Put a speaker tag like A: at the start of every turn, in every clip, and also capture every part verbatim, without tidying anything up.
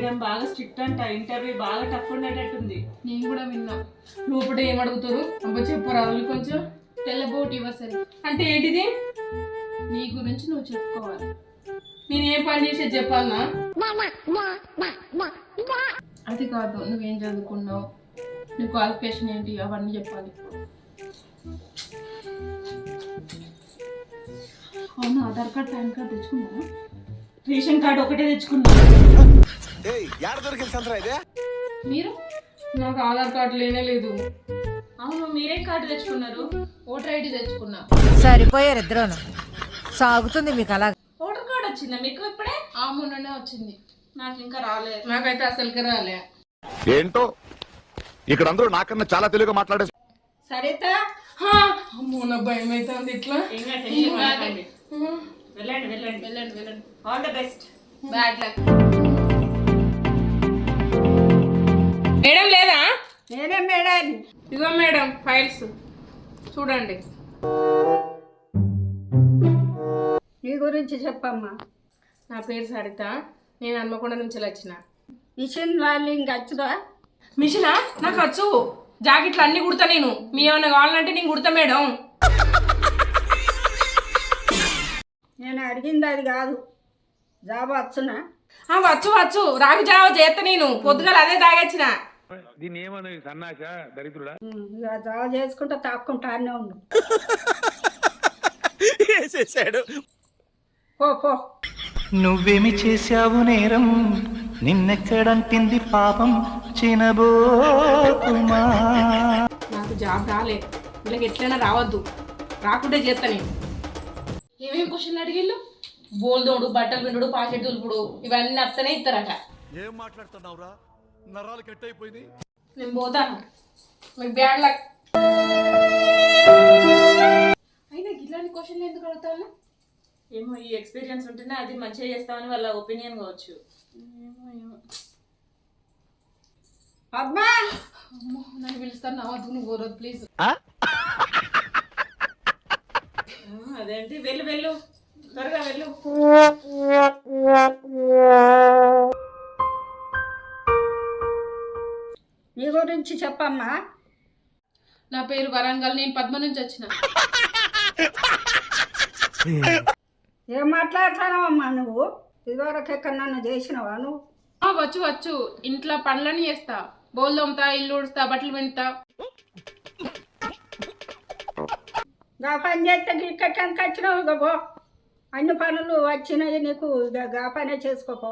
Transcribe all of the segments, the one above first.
A: Madam బాగా strict అంట, interview బాగా టఫ్ ఉండేటట్టుంది.
B: నేను కూడా విన్నా.
C: నువ్వు ఇప్పుడు ఏం అడుగుతారు? అబ్బా చెప్పరా కొంచెం.
B: తెల్లబోట్ యువసరి
C: అంటే ఏంటిది?
B: నీ గురించి నువ్వు చెప్పుకోవాలి.
C: నేను ఏం పని చేసేది చెప్పాలనా?
B: అది కాదు, నువ్వేం చదువుకున్నావు, నీ క్వాలిఫికేషన్ ఏంటి, అవన్నీ చెప్పాలి. అవును, ఆధార్ కార్డ్ పాన్ కార్డ్ తెచ్చుకున్నావా?
A: రేషన్ కార్డు ఒకటే తెచ్చుకున్నా.
B: మీరు?
C: నాకు ఆధార్ కార్డు లేనే లేదు.
A: అవును, మీరేం కార్డు తెచ్చుకున్నారు?
B: ఓటర్ ఐడి తెచ్చుకున్నా.
D: సరిపోయారు ఇద్దరును. సాగుతుంది మీకు అలా.
A: ఓటర్ కార్డు వచ్చిందా మీకు ఇప్పుడే?
B: ఆ మొన్ననే వచ్చింది.
A: నాకు ఇంకా రాలేదు.
C: నాకైతే అసలుకి రాలే.
E: ఏంటో ఇక్కడ అందరూ నాకన్నా చాలా తెలుగుగా మాట్లాడే.
A: సరేతా,
C: అమ్మో నా భయం అవుతుంది. ఇట్లా
A: వెళ్ళండి వెళ్ళండి
B: వెళ్ళండి వెళ్ళండి.
A: All the best.
B: Bad luck.
C: Madam లేదా?
A: నేనే మేడం.
C: ఇదిగో మేడం ఫైల్స్ చూడండి.
A: నీ గురించి చెప్పమ్మా.
C: నా పేరు సరిత, నేను హన్మకొండ నుంచి వచ్చిన.
A: మిషన్ లర్నింగ్ వచ్చుదా?
C: మిషనా? నాకు వచ్చు. జాకెట్లు అన్ని కుడతా నేను. మీ ఏమైనా కావాలంటే నేను కుడతా మేడం.
A: నేను అడిగింది అది కాదు. జాబ్ వచ్చునా?
C: వచ్చు వచ్చు రాగి జావ చేస్తా నేను. పొద్దుగాల అదే తాగొచ్చిన.
F: దీన్ని ఏమను సన్నాస దరిద్రుడా?
A: ఇక జాబ్ చేసుకుంటా తాక్కుంటా అనే ఉండు. పో పో.
G: నువ్వేమి చేశావు నేరం, నిన్నెక్కడంటింది పాపం చినబోతుమా.
C: నాకు జాబ్ రాలే, వీళ్ళకి ఎట్లయినా రావద్దు. రాకుంటే చేస్తా నేను. ఏమేమి క్వశ్చన్లు అడిగిళ్ళు? బోల్దోడు, బట్టలు పిండుడు, పాకెట్ దులుపుడు, ఇవన్నీ అత్తనే ఇస్తారట.
H: ఏం మాట్లాడుతున్నావురా? నరాలు కట్ అయిపోయింది.
C: నేను పోతాను. మీకు బ్యాడ్ లక్. అయినా ఇట్లాంటి క్వశ్చన్లు ఎందుకు అడుగుతాను?
A: ఏమో, ఈ ఎక్స్పీరియన్స్ ఉంటేనే అది మంచిగా చేస్తామని వాళ్ళ ఒపీనియన్ కావచ్చు. అబ్బా,
B: అమ్మో, నన్ను పిలుస్తాను. నా వద్దు, నువ్వు పోరదు ప్లీజ్.
A: అదేంటి, వెళ్ళు వెళ్ళు త్వరగా వెళ్ళు. నీ గురించి చెప్పమ్మా.
B: నా పేరు వరంగల్, నేను పద్మ నుంచి వచ్చిన.
A: ఏం మాట్లాడుతున్నావమ్మా నువ్వు? ఇదివరకు ఎక్కడన్నా చేసినావా నువ్వు?
B: ఆ, వచ్చు వచ్చు. ఇంట్లో పనులని చేస్తా. బోల్ తోముతా, ఇల్లు ఉడుస్తా, బట్టలు పిండుతా.
A: గా పని చేస్తే ఇక్కడికి వచ్చినావు గబో. అన్ని పనులు వచ్చినాయి నీకు, గా పనే చేసుకోపో.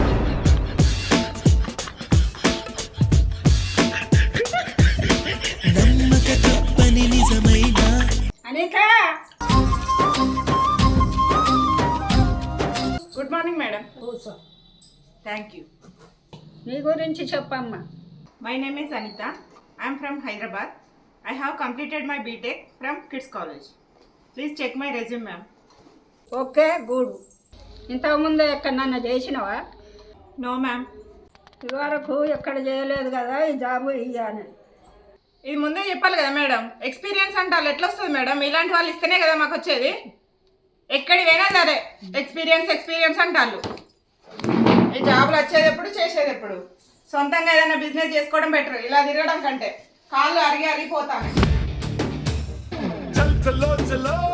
A: Anika,
C: good morning madam.
A: కూర్చో.
C: Thank you.
A: నీ గురించి చెప్పమ్మా.
I: My name is Anita. I am from Hyderabad. I have completed my B Tech from Kids College. Please check my resume, ma'am.
A: Okay, good. ఇంతకుముందు ఎక్కడన్నా చేసినావా?
I: No, ma'am.
A: ఇదివరకు ఎక్కడ చేయలేదు కదా ఈ జాబు ఇయ్యాని.
I: ఇది ముందే చెప్పాలి కదా మేడం. ఎక్స్పీరియన్స్ అంటారు ఎట్లా వస్తుంది మేడం? ఇలాంటి వాళ్ళు ఇస్తేనే కదా మాకు వచ్చేది. ఎక్కడికి పోయినా సరే ఎక్స్పీరియన్స్ ఎక్స్పీరియన్స్ అంటారు. ఈ జాబులు వచ్చేది ఎప్పుడు, చేసేది ఎప్పుడు? సొంతంగా ఏదైనా బిజినెస్ చేసుకోవడం బెటర్, ఇలా తిరగడం కంటే. కాళ్ళు అరిగి అరిగిపోతాను.
H: చల్ చలో చలో